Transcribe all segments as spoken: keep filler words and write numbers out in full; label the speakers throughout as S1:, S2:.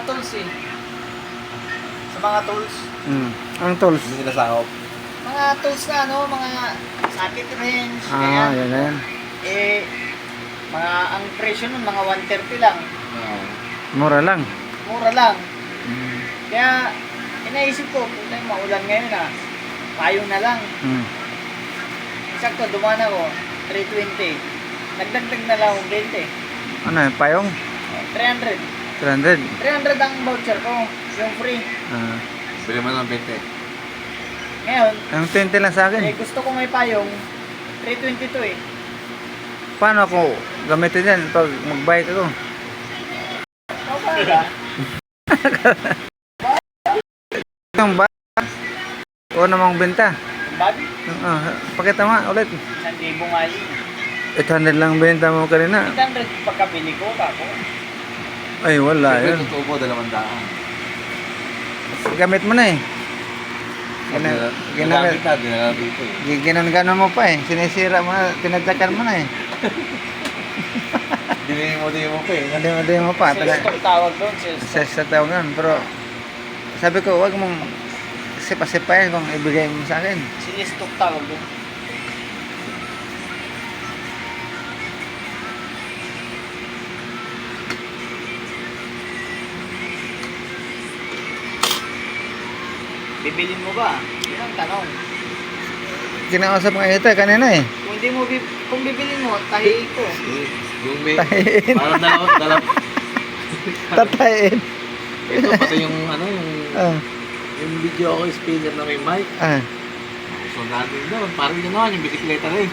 S1: tools eh. Sa mga tools.
S2: Hmm. Anong tools?
S3: Hindi nila sakop.
S1: Mga tools na ano, mga socket wrench,
S2: Ah,
S1: kaya.
S2: yan na yan.
S1: Eh, mga, ang presyo nun, mga one thirty lang.
S3: Oo.
S2: Mura lang.
S1: Mura lang.
S2: Hmm.
S1: Kaya, inaisip ko, puta yung maulan ngayon ah. Payong na lang.
S2: Hmm.
S1: Sakto, dumaan ako, three twenty. Nagdagdag na lang akong twenty.
S2: Ano yun? Payong?
S1: three hundred.
S2: three hundred.
S1: three hundred ang voucher ko, yung free.
S2: Ah.
S3: Bili mo ng bente.
S1: Ngayon,
S2: Ang twenty lang sa
S1: eh,
S2: akin.
S1: gusto ko may payong, three twenty-two eh.
S2: Paano ako gamitin yan pag mag-bike ako?
S1: Okay ba?
S2: Yung bike? O namang benta?
S1: Yung bag,
S2: Ah, pakita mo nga ulit.
S1: isang libo nga yun.
S2: eight hundred lang benta mo kanina.
S1: eight hundred pagkabili ko, kako.
S2: Ay, wala
S3: Siyempre,
S2: yun.
S3: totoo po, dalawang daan.
S2: Gamit mo na eh. Gina, gina,
S3: Ginagamit na, dinala dito eh.
S2: ginangano mo pa eh. Sinisira mo na, tinadyakan mo na eh.
S3: Dinili mo din mo pa eh.
S2: Hindi mo, hindi mo pa.
S1: Sales
S2: Taga,
S1: talk tawag doon, sales
S2: sa,
S1: talk.
S2: sa tawagan. Pero sabi ko, wag mong sipa-sipayan kung ibigay mo sa akin.
S1: Sales talk tawag doon. Bibilin mo ba? Yun ang tanong.
S2: Kinausap nga ito eh, kanina eh.
S1: Kung hindi mo, bib kung bibilin mo, tahiin ko.
S3: Eh, Yung may,
S2: Tahin.
S3: parang dalawa, dalawa.
S2: Tatayin.
S3: Ito, pati yung ano, yung,
S2: Ah,
S3: yung video ako, speaker na may mic.
S2: ah.
S3: So, natin doon, parang gano'n, yung bisikleta rin.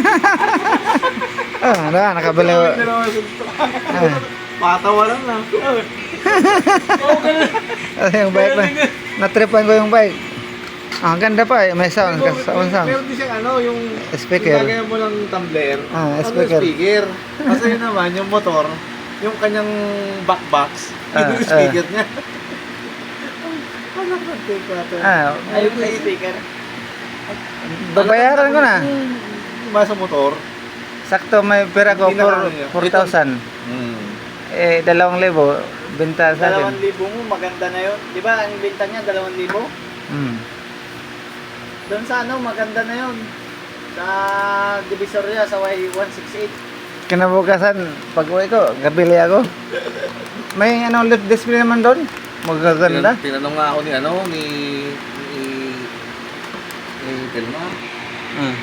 S2: Ah, ano, nakabili. Ah.
S3: Patawalan lang. Oo, ganun.
S2: Kasi yung bike na, natripan ko yung bike. Ah, ang ganda pa eh, may sound, sound sound.
S3: Meron din siyang ano, yung
S2: Speaker.
S3: yung lagayan mo ng tumbler.
S2: Ah,
S3: ano,
S2: speaker.
S3: speaker. Kasi yun naman, yung motor, yung kanyang back box,
S2: Ah,
S3: yun yung speaker niya. Ano ba take natin?
S2: Ah,
S1: Ayun sa speaker.
S2: babayaran ko na.
S3: Yung mga sa motor.
S2: Sakto may pera ko
S3: Hindi na
S2: for
S3: ano yun.
S2: four thousand.
S3: Hmm.
S2: Eh, dalawang libo, benta sa
S1: Dalawang
S2: akin.
S1: libo mo, maganda na yun. Di ba, ang benta niya, dalawang libo?
S2: Hmm.
S1: Doon sa ano, maganda na yun. Sa Divisoria, sa Y one sixty-eight.
S2: Kinabukasan, pag uwi ko, gabili ako. May ano, lift display naman doon. Magaganda.
S3: Tinan- Tinanong nga ako ni ano, ni... ni... ni Telma.
S2: Hmm.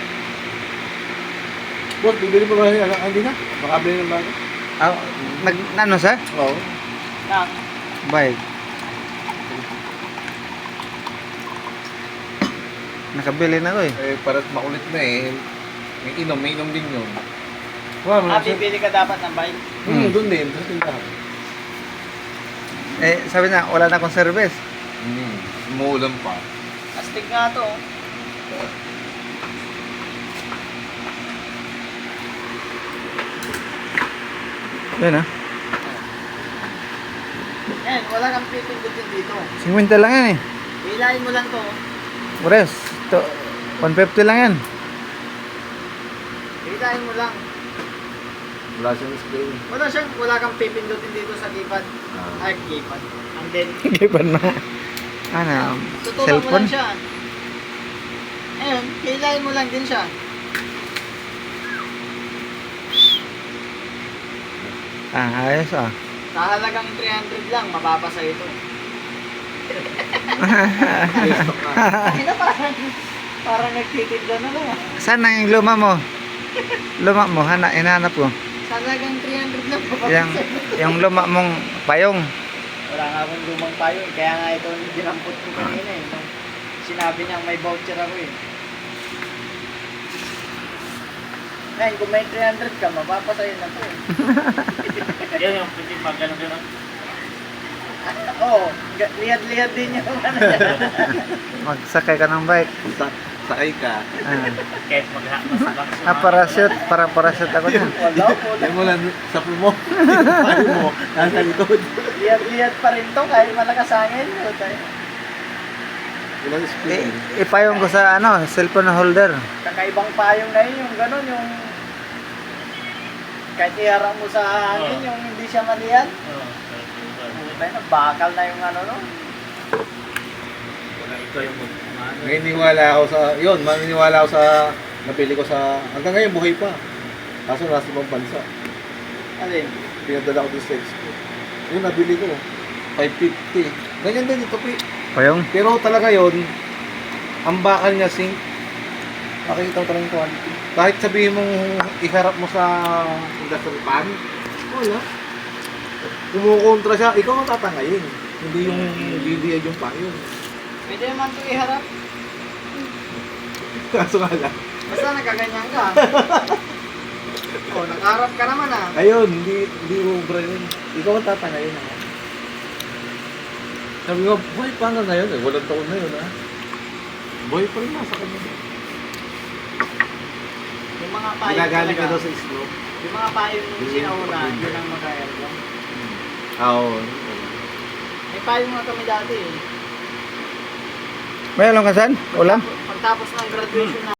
S3: Boss, bibili mo ba yung ano? Hindi na. Baka bili ng bago.
S2: Ah, nag, ano sa?
S3: Oo.
S1: Na,
S2: Bike. Nakabili na ako eh.
S3: Eh, parang makulit na eh. May inom, may inom din yun. Wow,
S1: ah, bibili ka dapat ng bike.
S3: Hmm, doon din. Doon din lang.
S2: Eh, sabi na, wala na akong service.
S3: Hmm, umuulan pa.
S1: Astig nga to. oh.
S2: Yan ah.
S1: Yan, wala kang pipindutin dito.
S2: fifty lang yan eh.
S1: Hilahin mo lang to.
S2: Ores, to, one fifty lang yan.
S1: Hilahin mo lang.
S3: Wala siyang spray.
S1: Wala siyang, wala kang pipindutin dito sa keypad.
S3: Ah.
S1: Ay, keypad. Ang then,
S2: Giban na. Ano,
S1: tutukan mo
S2: cellphone?
S1: lang siya. Ayun, hilahin mo lang din siya.
S2: Ah, ayos ah.
S1: Sa halagang three hundred lang, mapapasa ito.
S3: Facebook na.
S1: Ay na parang, parang nagtitigla na lang. ah.
S2: Saan na yung luma mo? Luma mo, hana, hinahanap ko.
S1: Sa halagang three hundred lang, mapapasa
S2: Yung,
S1: ito.
S2: yung luma mong payong.
S1: Wala nga akong lumang tayo eh. Kaya nga ito dinampot ko kanina eh. Nung sinabi niya may voucher ako eh. Ngayon, kung may three hundred ka, mapapasayo na to eh.
S4: Yan yung pwede magano gano'n.
S1: Oo, ga- lihad-lihad din yung ano niya.
S2: Magsakay ka ng bike.
S3: Sa sakay ka.
S2: Ah,
S4: Kahit maghamas
S2: ah parachute, para parachute ako na.
S1: Wala po.
S3: Yan mo lang sa mo. Paano mo? Nasa likod.
S1: Lihad-lihad pa rin to kahit malakas hangin.
S3: Walang spray.
S2: I, ipayong ko sa ano, cellphone holder.
S1: Kakaibang payong na yun, yung gano'n, yung kahit iharang mo sa hangin, yung hindi siya malihan.
S4: Oo.
S1: Iba na, bakal na yung ano no.
S4: Wala ito yung ano.
S3: Naniniwala ako sa, yun, maniniwala ako sa, napili ko sa, hanggang ngayon buhay pa. Kaso nasa ibang bansa.
S1: Alin?
S3: Pinadala ko din sa expo. Yung nabili ko, five fifty. Ganyan din ito, Pi.
S2: Payong.
S3: Pero talaga yun, ang bakal niya sink, makikita mo talagang quality. Kahit sabihin mong iharap mo sa industrial pan, wala. Kumukontra siya, ikaw ang tatangayin. Hindi yung B D I yung payo.
S1: Pwede naman ito iharap.
S3: Kaso nga lang.
S1: Basta nakaganyan ka. Oh, nakaharap ka naman ah.
S3: Ayun, hindi, hindi ubra yun. Ikaw ang tatangayin naman. Sabi ko, boy, paano na yun? Eh, walang taon na yun, ha? Boy, pa rin nasa kanya.
S1: Yung mga payo
S3: Ginagaling ka
S1: talaga.
S3: daw sa islo.
S1: Yung mga payo nung sinauna, yun ang magayal ko.
S3: Oo.
S1: May payo nga kami dati eh.
S2: May alam ka saan? Ulam?
S1: Pagtapos ng graduation na